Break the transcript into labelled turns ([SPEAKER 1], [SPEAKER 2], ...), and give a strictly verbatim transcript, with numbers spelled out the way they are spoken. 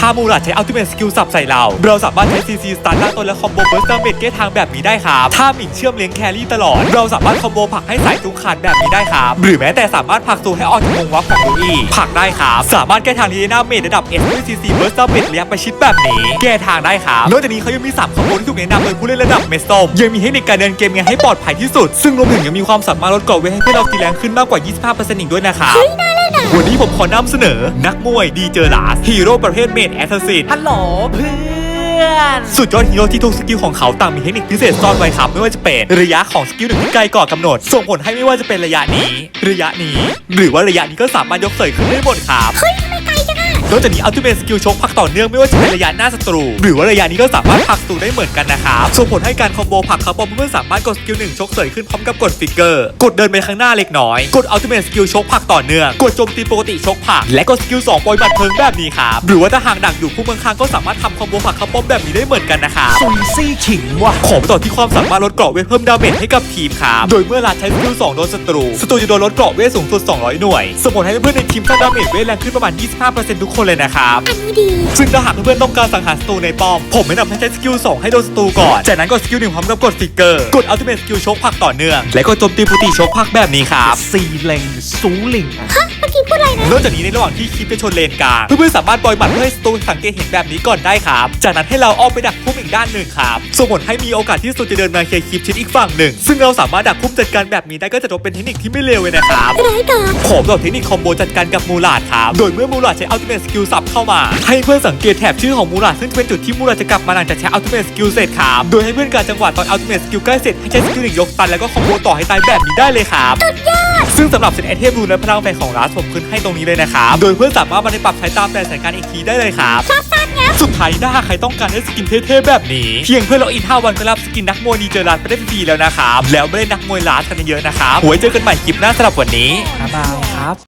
[SPEAKER 1] ามูราใช้อัลติเมทสกิลสับใส่เราเราสามารถใช้ซีซีสตาร์ล่างต้นและคอมโบเบิร์สดาเมจแก้ทางแบบนี้ได้ครับถ้าหมิ่นเชื่อมเลี้ยงแครี่ตลอดเราสามารถคอมโบผลักให้สายตุงขาดแบบนี้ได้ครับหรือแม้แต่สามารถผลักตูให้ออกจากวงวับของลูอี้ผลักได้ครับสามารถแก้ทางลีน่าเมจระดับเอสด้วยซีซีเบิร์สดาเมจระยะประชิดแบบนี้แก้ทางได้ครับนอกจากนี้เขายังมีสามคอมโบที่ถูกแนะนำโดยผู้เล่นระดับเมสโตมยังมีเทคนิคการเดินเกมยังให้ปลอดภัยที่สุดซึ่งรวมถึงยังมีความสามารถลดเกราะเวทให้เพื่อนเราตีแรงขึ้นมากกว่า ยี่สิบห้าเปอร์เซ็นต์ อีกด้วยนะครับวันนี้ผมขอนำเสนอนักมวยดีเจอร์ลาสฮีโร่ประเภทเมจแอสซัสซิน
[SPEAKER 2] ฮัลโหลเพื่อน
[SPEAKER 1] สุดยอดฮีโร่ที่ทุกสกิลของเขาต่างมีเทคนิคพิเศษซ่อนไว้ครับไม่ว่าจะเป็นระยะของสกิลหนึ่งที่ไกลก่อนกำหนดส่งผลให้ไม่ว่าจะเป็นระยะนี้ระยะนี้หรือว่าระยะนี้ก็สามารถยกเสยขึ้นได้หมดครับ
[SPEAKER 3] เฮ้ยทำไมไกลจังอะ
[SPEAKER 1] นอกจากนี้อัลติเมทสกิลชกพักต่อเนื่องไม่ว่าจะเป็นระยะหน้าศัตรูหรือว่าระยะนี้ก็สามารถผลักศัตรูได้เหมือนกันนะครับส่งผลให้การคอมโบผลักเขาปอมเพื่อนสามารถกดสกิลหนึ่งชกเสยขึ้นพร้อมกับกดฟิกเกอร์กดเดินไปข้างหน้าเล็กน้อยกดอัลติเมทสกิลชกผลักต่อเนื่องกดโจมตีปกติชกผลักและกดสกิลสองปล่อยบัตรเพลิงแบบนี้ครับหรือว่าถ้าหากดักอยู่คู่เมืองข้างก็สามารถทำคอมโบผลักเขาปอมแบบนี้ได้เหมือนกันนะครับ
[SPEAKER 2] ซุยซี่ขิงว่ะ
[SPEAKER 1] ขอไปต่อที่ความสามารถลดเกราะเวทเพิ่มดาเมจให้กับทีมครับโดยเมื่อลาใช้สกิลสองโดนศัตรูศัตรูจะโดนลดเกราะเวทสูงสุดสองร้อยหน่วยส่งผลให้เพื่อนในทีมสร้างดาเมจเวทแรงขึ้นประมาณ ยี่สิบห้าเปอร์เซ็นต์ ทุกคนเลยนะครับ
[SPEAKER 3] อันนี้ดี
[SPEAKER 1] ซึ่งถ้าหากเพื่อนต้องการสังหารศัตรูในป้อมผมแนะนำให้ใช้สกิลสองให้โดนศัตรูก่อนจากนั้นกดสกิลหนึ่งพร้อมกับกดฟิกเกอร์กดอัลติเมทสกิลชกผักต่อเนื่องและกดโจมตีปกติชกผักแบบนี้ครับ
[SPEAKER 2] ซีเลงซูลิง
[SPEAKER 3] ฮะเมื่อกี้พูดอะไรนะ
[SPEAKER 1] นอกจากนี้ในระหว่างที่คลิปจะชนเลนกลางเพื่อนๆสามารถปล่อยหมัดเพื่อให้ศัตรูสังเกตเห็นแบบนี้ก่อนได้ครับจากนั้นให้เราอ้อมไปดักพุ่มอีกด้านหนึ่งครับส่งผลให้มีโอกาสที่ศัตรูจะเดินมาเคลียร์คลิปชิดอีกฝั่งหนึ่งซึ่งเราสามารถดักพุ่มจัดการแบบนี้ได้ก็จะถือเป็นเทคนิคที่ไม่เลวเลยนะครับ
[SPEAKER 3] ร้ายกาจ
[SPEAKER 1] ผมบอกเทคนิคคอมโบจัดการกับมูลาดครับโดยเมื่อมูลาดใช้อัลติเมทสกิลสับเข้ามาให้เพื่อนสังเกตแถบชื่อของมูลาดซึ่งเป็นจุดที่มูลาดจะกลับมาหลังจากใช้อัลติเมทสกิลเสร็จครับโดยให้เพื่อนการจังหวะตอนอัลติเมทสกิลใกล้เสร็จให้ใช้สกิลหนึ่งยกตันแล้วก็คอมโบต่อให้ตายแบบนี้ได้เลยครับ
[SPEAKER 3] สุดยอด
[SPEAKER 1] ซึ่งสำหรับเซตไอเทมรูนและพลังแฝงของลาสผมขึ้นให้ตรงนี้เลยนะครับโดยเพื่อนสามารถมาในปรับใช้ตามแต่สถานการณ์อีกทีได้เลยครับ
[SPEAKER 3] ชอบสั้นเงี้ย
[SPEAKER 1] สุดท้ายถ้าใครต้องการให้สกินเท่ๆแบบนี้เพียงเพื่อล็อกอินห้าวันก็รับสกินนักมวยดีเจอร์ลาสไปได้ฟรีแล้วนะครับแล้วไม่ได้นักมวยลาสกันเยอะนะครับไว้เจอกันใหม่คลิปหน้าสำหรับวันนี้
[SPEAKER 2] บ๊ายบายครับ